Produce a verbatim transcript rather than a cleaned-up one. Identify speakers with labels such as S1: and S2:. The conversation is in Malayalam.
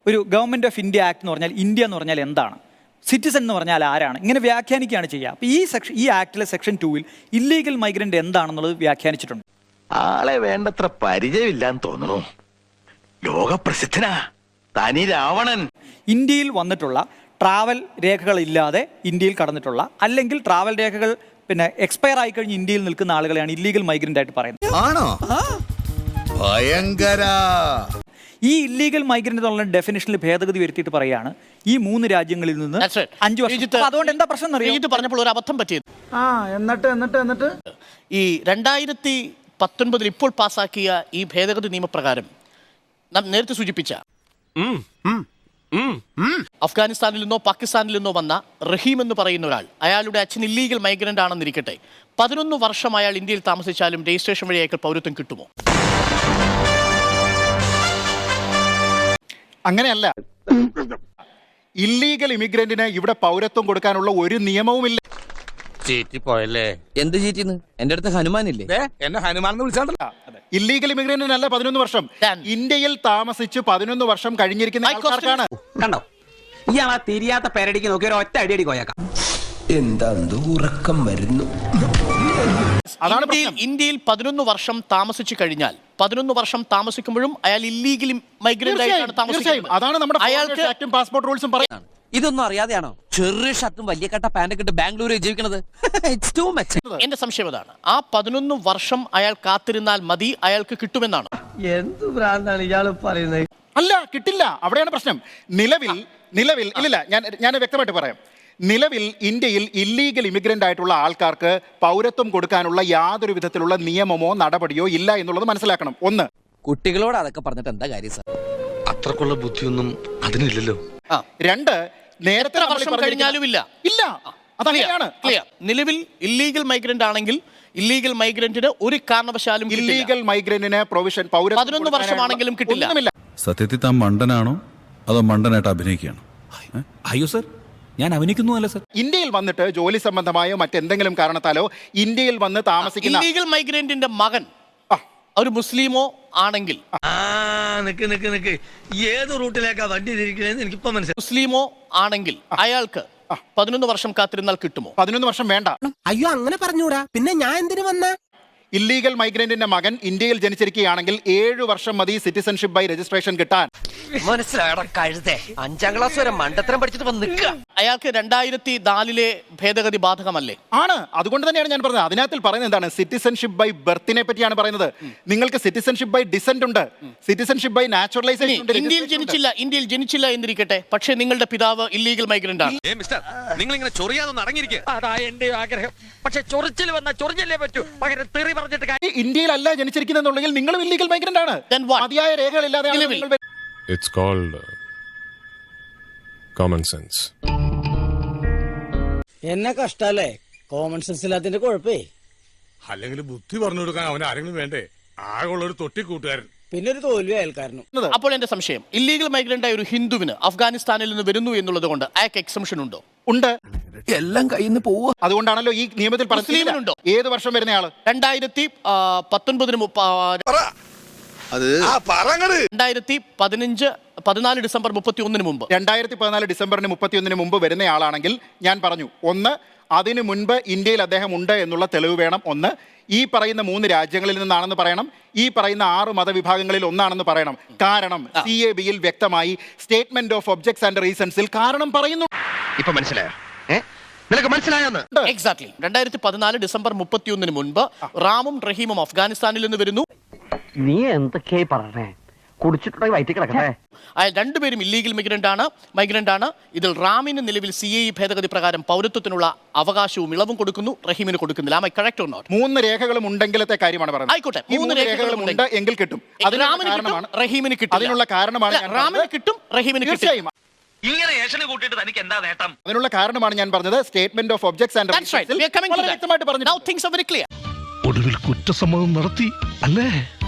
S1: ഒരു ഗവൺമെന്റ് ഓഫ് ഇന്ത്യ ആക്ട് എന്ന് പറഞ്ഞാൽ ഇന്ത്യ എന്ന് പറഞ്ഞാൽ എന്താണ്, സിറ്റിസൺ എന്ന് പറഞ്ഞാൽ ആരാണ്, ഇങ്ങനെ വ്യാഖ്യാനിക്കുകയാണ് ചെയ്യുക. അപ്പോൾ ഈ സെക്ഷൻ ഈ ആക്ടിലെ സെക്ഷൻ ടൂവിൽ ഇല്ലീഗൽ മൈഗ്രന്റ് എന്താണെന്നുള്ളത് വ്യാഖ്യാനിച്ചിട്ടുണ്ട്.
S2: ആളെ വേണ്ടത്ര പരിചയമില്ലാന്ന് തോന്നുന്നു. ലോകപ്രസിദ്ധനാ തനി രാവണൻ.
S1: ഇന്ത്യയിൽ വന്നിട്ടുള്ള ട്രാവൽ രേഖകളില്ലാതെ ഇന്ത്യയിൽ കടന്നിട്ടുള്ള, അല്ലെങ്കിൽ ട്രാവൽ രേഖകൾ പിന്നെ എക്സ്പയർ ആയി കഴിഞ്ഞ് ഇന്ത്യയിൽ നിൽക്കുന്ന ആളുകളെയാണ് ഇല്ലീഗൽ മൈഗ്രന്റ് ആയിട്ട് പറയുന്നത്.
S3: ആണോ? ഭയങ്കര.
S1: ഈ ഇല്ലീഗൽ മൈഗ്രന്റ് എന്നുള്ള ഡെഫിനിഷനിൽ ഭേദഗതി വരുത്തിയിട്ട് പറയാണ് ഈ മൂന്ന് രാജ്യങ്ങളിൽ നിന്ന് അഞ്ചു വർഷം. അതുകൊണ്ട് എന്താ പ്രശ്നം അറിയാം
S4: പറഞ്ഞപ്പോൾ ഒരു അബദ്ധം പറ്റിയത്.
S5: ആ എന്നിട്ട് എന്നിട്ട് എന്നിട്ട്
S4: ഈ രണ്ടായിരത്തി പത്തൊൻപതിൽ ഇപ്പോൾ പാസാക്കിയ ഈ ഭേദഗതി നിയമപ്രകാരം നാം നേരത്തെ സൂചിപ്പിച്ച അഫ്ഗാനിസ്ഥാനിൽ നിന്നോ പാകിസ്ഥാനിൽ നിന്നോ വന്ന റഹീം എന്ന് പറയുന്ന ഒരാൾ, അയാളുടെ അച്ഛൻ ഇല്ലീഗൽ മൈഗ്രന്റ് ആണെന്നിരിക്കട്ടെ, പതിനൊന്ന് വർഷം അയാൾ ഇന്ത്യയിൽ താമസിച്ചാലും രജിസ്ട്രേഷൻ വഴി അയാൾക്ക് പൗരത്വം കിട്ടുമോ?
S5: അങ്ങനെയല്ല. ഇല്ലീഗൽ ഇമിഗ്രന്റിന് ഇവിടെ പൗരത്വം കൊടുക്കാനുള്ള ഒരു നിയമവുമില്ല.
S6: പോയല്ലേ? എന്ത് ചീറ്റിന്ന്? എന്റെ അടുത്ത് ഹനുമാനില്ലേ?
S3: എന്നെ ഹനുമാൻ വിളിച്ചാണ്ടല്ലോ.
S5: ഇല്ലീഗൽ ഇമിഗ്രന്റിനല്ല പതിനൊന്ന് വർഷം, ഇന്ത്യയിൽ താമസിച്ച് പതിനൊന്ന് വർഷം കഴിഞ്ഞിരിക്കുന്ന ആൾക്കാർക്കാണ്.
S6: കണ്ടോ, ഇയാളാ തിരിയാത്ത പേരടിക്ക് നോക്കി ഒരു ഒറ്റ അടിയടി കോയാക്കാം.
S7: എന്താ ഉറക്കം വരുന്നു.
S5: അതാണ്
S4: ഇന്ത്യയിൽ പതിനൊന്ന് വർഷം താമസിച്ചു കഴിഞ്ഞാൽ, പതിനൊന്ന് വർഷം താമസിക്കുമ്പോഴും അയാൾ ഇല്ലീഗൽ മൈഗ്രന്റ് ആയിട്ടാണ് താമസിക്കുന്നത്.
S5: അതാണ് നമ്മുടെ
S4: അയാൾക്ക്
S5: പാസ്പോർട്ട് റൂൾസും പറയുന്നത്.
S6: ഇതൊന്നും അറിയാതെയാണോ ചെറിയ ഷർട്ടും വലിയ കട്ട പാന്റൊക്കെ ഇട്ട് ബാംഗ്ലൂരിൽ ജീവിക്കണത്? എന്റെ
S4: സംശയം അതാണ്. ആ പതിനൊന്ന് വർഷം അയാൾ കാത്തിരുന്നാൽ മതി, അയാൾക്ക് കിട്ടുമെന്നാണ്.
S7: എന്ത് ഭ്രാന്താണ് ഇയാള് പറയുന്നത്?
S5: അല്ല, കിട്ടില്ല. അവിടെയാണ് പ്രശ്നം. നിലവിൽ നിലവിൽ ഇല്ലില്ല, ഞാൻ ഞാൻ വ്യക്തമായിട്ട് പറയാം. നിലവിൽ ഇന്ത്യയിൽ ഇല്ലീഗൽ ഇമിഗ്രന്റ് ആയിട്ടുള്ള ആൾക്കാർക്ക് പൗരത്വം കൊടുക്കാനുള്ള യാതൊരു വിധത്തിലുള്ള നിയമമോ നടപടിയോ ഇല്ല എന്നുള്ളത് മനസ്സിലാക്കണം. ഒന്ന്,
S6: കുട്ടികളോട് അതൊക്കെ പറഞ്ഞിട്ട് എന്താ കാര്യം സാർ?
S2: അത്രക്കുള്ള ബുദ്ധിയൊന്നും അതിനില്ലല്ലോ.
S5: രണ്ട്, നേരത്തെ
S4: വർഷം കഴിഞ്ഞാലും ഇല്ല
S5: ഇല്ല അതാണ്
S4: നിലവിൽ ഇല്ലീഗൽ മൈഗ്രന്റ് ആണെങ്കിൽ ഇല്ലീഗൽ മൈഗ്രന്റിന് ഒരു കാരണവശാലും
S5: ഇല്ലീഗൽ മൈഗ്രന്റിന് പ്രൊവിഷൻ
S4: പതിനൊന്ന് വർഷമാണെങ്കിലും കിട്ടില്ല.
S8: സത്യത്തിൽ താൻ മണ്ടനാണോ അതോ മണ്ടനായിട്ട് അഭിനയിക്കുകയാണോ?
S9: അയ്യോ സർ, ഞാൻ അഭിനയിക്കുന്നു അല്ല സർ.
S5: ഇന്ത്യയിൽ വന്നിട്ട് ജോലി സംബന്ധമായോ മറ്റെന്തെങ്കിലും കാരണത്താലോ ഇന്ത്യയിൽ വന്ന് താമസിക്കുന്ന
S4: ഇല്ലീഗൽ മൈഗ്രന്റിന്റെ മകൻ ഒരു മുസ്ലിമോ ആണെങ്കിൽ,
S7: നിക്ക് നിക്ക് നിക്ക് ഏത് റൂട്ടിലേക്കാ വണ്ടി തിരിക്കണേന്ന് എനിക്കിപ്പോ മനസ്സിലായി.
S4: മുസ്ലിമോ ആണെങ്കിൽ അയാൾക്ക് പതിനൊന്ന് വർഷം കാത്തിരുന്നാൽ കിട്ടുമോ?
S5: പതിനൊന്ന് വർഷം വേണ്ട.
S7: അയ്യോ അങ്ങനെ പറഞ്ഞൂടാ, പിന്നെ ഞാൻ എന്തിനു വന്ന?
S5: ഇല്ലീഗൽ മൈഗ്രന്റിന്റെ മകൻ ഇന്ത്യയിൽ ജനിച്ചിരിക്കുകയാണെങ്കിൽ ഏഴു വർഷം മതി സിറ്റിസൺഷിപ്പ് ബൈ രജിസ്ട്രേഷൻ കിട്ടാൻ.
S6: മനസ്സിലായടാ കഴുതേ, അഞ്ചാം ക്ലാസ് വരെ മണ്ടത്തരം പഠിച്ചിട്ട് വന്ന് നിൽക്കുക.
S4: അയാൾക്ക് രണ്ടായിരത്തി നാലിലെ ഭേദഗതി ബാധകമല്ലേ?
S5: ആണ്. അതുകൊണ്ട് തന്നെയാണ് ഞാൻ പറഞ്ഞത്. അതിനകത്തിൽ പറയുന്നത് എന്താണ്? സിറ്റിസൺഷിപ്പ് ബൈ ബർത്തിനെ പറ്റിയാണ് പറയുന്നത്. നിങ്ങൾക്ക് സിറ്റിസൺഷിപ്പ് ബൈ ഡിസെന്റ് ഉണ്ട്, സിറ്റിസൺഷിപ്പ് ബൈ നാച്ചുറലൈസേഷൻ ഉണ്ട്.
S4: ഇന്ത്യയിൽ ജനിച്ചില്ല ഇന്ത്യയിൽ ജനിച്ചില്ല എന്നിരിക്കട്ടെ, പക്ഷേ നിങ്ങളുടെ പിതാവ് ഇല്ലീഗൽ മൈഗ്രന്റ് ആണ്.
S2: നിങ്ങൾ ഇങ്ങനെ ചൊറിയാതൊന്നും അടങ്ങിയിരിക്കുക.
S6: അതാ എന്റെ ആഗ്രഹം. പക്ഷെ ചൊറിച്ചിൽ വന്ന ചൊറിഞ്ഞല്ലേ പറ്റൂ, പകരം തെറി പറഞ്ഞിട്ട്.
S5: ഇന്ത്യയിലല്ല ജനിച്ചിരിക്കുന്നെന്നുണ്ടെങ്കിൽ നിങ്ങളും ഇല്ലീഗൽ മൈഗ്രന്റ് ആണ്. മതിയായ രേഖകളില്ലാതെ
S10: It's called uh, common sense.
S7: എന്നെ കഷ്ടല്ലേ കോമൺ സെൻസ് ഇല്ലാത്തിന്റെ കുഴപ്പേ.
S10: അല്ലെങ്കിൽ ബുദ്ധി പറഞ്ഞു കൊടുക്കാൻ അവൻ ആരെങ്കിലും വേണ്ടേ? ആകെയുള്ള ഒരു തൊട്ടി കൂട്ടുകാരൻ,
S7: പിന്നെ ഒരു തോൽവി അയൽക്കാരനും.
S4: അപ്പോൾ എന്റെ സംശയം, ഇല്ലീഗൽ മൈഗ്രന്റ് ആയ ഒരു ഹിന്ദുവിന് അഫ്ഗാനിസ്ഥാനിൽ നിന്ന് വരുന്നു എന്നുള്ളത് കൊണ്ട് അയാൾക്ക് എക്സംഷൻ ഉണ്ടോ?
S5: ഉണ്ട്.
S7: എല്ലാം കയ്യിൽ നിന്ന് പോവുക.
S5: അതുകൊണ്ടാണല്ലോ ഈ നിയമത്തിൽ
S4: മുസ്ലിമിനുണ്ടോ?
S5: ഏത് വർഷം വരുന്നയാള്?
S4: രണ്ടായിരത്തി പത്തൊൻപതിന് രണ്ടായിരത്തി പതിനഞ്ച് പതിനാല് ഡിസംബർ മുപ്പത്തി ഒന്നിന് മുമ്പ്
S5: രണ്ടായിരത്തി പതിനാല് ഡിസംബറിന് മുപ്പത്തി ഒന്നിന് മുമ്പ് വരുന്നയാളാണെങ്കിൽ ഞാൻ പറഞ്ഞു, ഒന്ന്, അതിനു മുൻപ് ഇന്ത്യയിൽ അദ്ദേഹം ഉണ്ട് എന്നുള്ള തെളിവ് വേണം. ഒന്ന്, ഈ പറയുന്ന മൂന്ന് രാജ്യങ്ങളിൽ നിന്നാണെന്ന് പറയണം. ഈ പറയുന്ന ആറ് മതവിഭാഗങ്ങളിൽ ഒന്നാണെന്ന് പറയണം. കാരണം സി എ ബിയിൽ വ്യക്തമായി സ്റ്റേറ്റ്മെന്റ് ഓഫ് ഒബ്ജക്ട്സ് ആൻഡ് റീസൺസിൽ കാരണം പറയുന്നു.
S2: ഇപ്പൊ മനസ്സിലായോ? നിനക്ക് മനസ്സിലായെന്ന്?
S4: എക്സാക്ട്ലി. രണ്ടായിരത്തി പതിനാല് ഡിസംബർ മുപ്പത്തി ഒന്നിന് മുൻപ് റാമും റഹീമും അഫ്ഗാനിസ്ഥാനിൽ നിന്ന് വരുന്നു.
S6: നീ എന്തൊക്കെയായി പറഞ്ഞേ? കുടിച്ചിട്ടുണ്ടെങ്കിൽ വയറ്റി കിടക്കട്ടെ.
S4: അയാൾ രണ്ടുപേരും ഇല്ലീഗൽ മൈഗ്രന്റ് ആണ് മൈഗ്രന്റ് ആണ് ഇതിൽ റാമിന് നിലവിൽ സി എ ഭേദഗതി പ്രകാരം പൗരത്വത്തിനുള്ള അവകാശവും ഇളവും കൊടുക്കുന്നു, റഹീമിന് കൊടുക്കുന്നില്ല. Am I correct or not?
S5: മൂന്ന് രേഖകളും ഉണ്ടെങ്കിലത്തെ കാര്യമാണ് പറയുന്നത്.
S4: ആയിക്കോട്ടെ,
S5: മൂന്ന് രേഖകളും ഉണ്ട് എങ്കിൽ കിട്ടും.
S4: റഹീമിന് കിട്ടും.
S5: അതിനുള്ള കാരണമാണ്
S4: റാമിന് കിട്ടും, റഹീമിന് കിട്ടും.
S2: ഇങ്ങനെ ഏഷന് കൂട്ടിയിട്ട് തനിക്ക് എന്താ നേട്ടം?
S5: അതിനുള്ള കാരണമാണ് ഞാൻ പറഞ്ഞത്. സ്റ്റേറ്റ്മെന്റ് ഓഫ് ഒബ്ജക്ട്സ് ആൻഡ്
S4: വ്യക്തമായിട്ട് പറഞ്ഞു.
S5: ഒടുവിൽ
S4: കുറ്റസമ്മതം നടത്തി അല്ലേ?